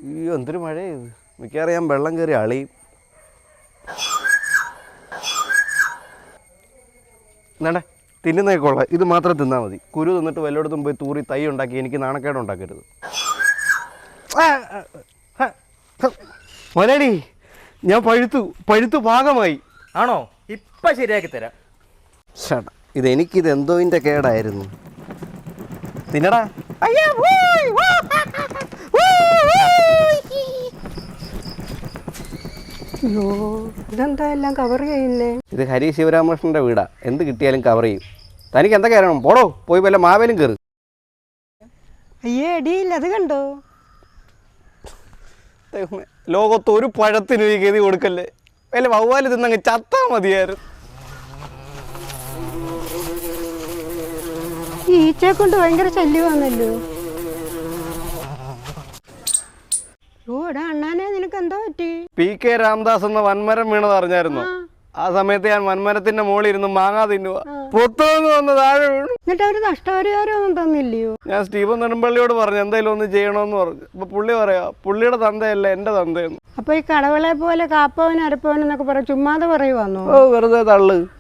അയ്യോ എന്തൊരു മഴയത്. മിക്കവാറും ഞാൻ വെള്ളം കയറി അളിയും. എന്നാണ്ടേ തിന്നുന്നേ കൊള്ളാം, ഇത് മാത്രം തിന്നാൽ മതി. കുരു തിന്നിട്ട് വല്ലയിടത്തും പോയി തൂറി തൈ ഉണ്ടാക്കി എനിക്ക് നാണക്കേട് ഉണ്ടാക്കരുത്. മലയാളി ഞാൻ പഴുത്തു പാകമായി. ആണോ? ഇപ്പം ശരിയാക്കി തരാം. ചേട്ടാ ഇതെനിക്കിത് എന്തോതിൻ്റെ കേടായിരുന്നു. തിന്നടാ. അയ്യോ ഇതെന്താ എല്ലാം കവർ ചെയ്യില്ലേ? ഇത് ഹരി ശിവരാമകൃഷ്ണൻ്റെ വീടാ, എന്ത് കിട്ടിയാലും കവർ ചെയ്യും. തനിക്ക് എന്തൊക്കെ അറിയണം? പോടോ, പോയി വല്ല മാവേലും കയറി. അയ്യേ അടിയില്ല, അത് കണ്ടോ? ലോകത്ത് ഒരു പഴത്തിന് ഈ ഗതി കൊടുക്കല്ലേ. വല്ല വവ്വാല് തിന്നങ്ങ് ചത്താ മതിയായിരുന്നു. ഈ ഈച്ചയെ കൊണ്ട് ഭയങ്കര ശല്യമാണല്ലോ. ഓ എടാ അണ്ണാനെ, നിനക്ക് എന്തോ പറ്റി? PK രാംദാസ് എന്ന വൻമരം വീണത് അറിഞ്ഞായിരുന്നു? ആ സമയത്ത് ഞാൻ വൻമരത്തിന്റെ മുകളിൽ ഇരുന്ന് മാങ്ങാ തിന്നുക. പുറത്തുനിന്ന് വന്ന് താഴെ വീണു. എന്നിട്ട് അവര് നഷ്ടപരിഹാരം ഒന്നും തന്നില്ലയോ? ഞാൻ സ്റ്റീഫൻ നെടുമ്പള്ളിയോട് പറഞ്ഞു എന്തെങ്കിലും ഒന്ന് ചെയ്യണമെന്ന് പറഞ്ഞു. അപ്പൊ പുള്ളി പറയാ പുള്ളിയുടെ തന്തയല്ല എന്റെ തന്തയെന്ന്. അപ്പൊ ഈ കടവളെ പോലെ കാപ്പവൻ അരപ്പവൻ എന്നൊക്കെ പറയാം, ചുമ്മാതെ പറയുവാന്നോ? ഓ വെറുതെ തള്ളു.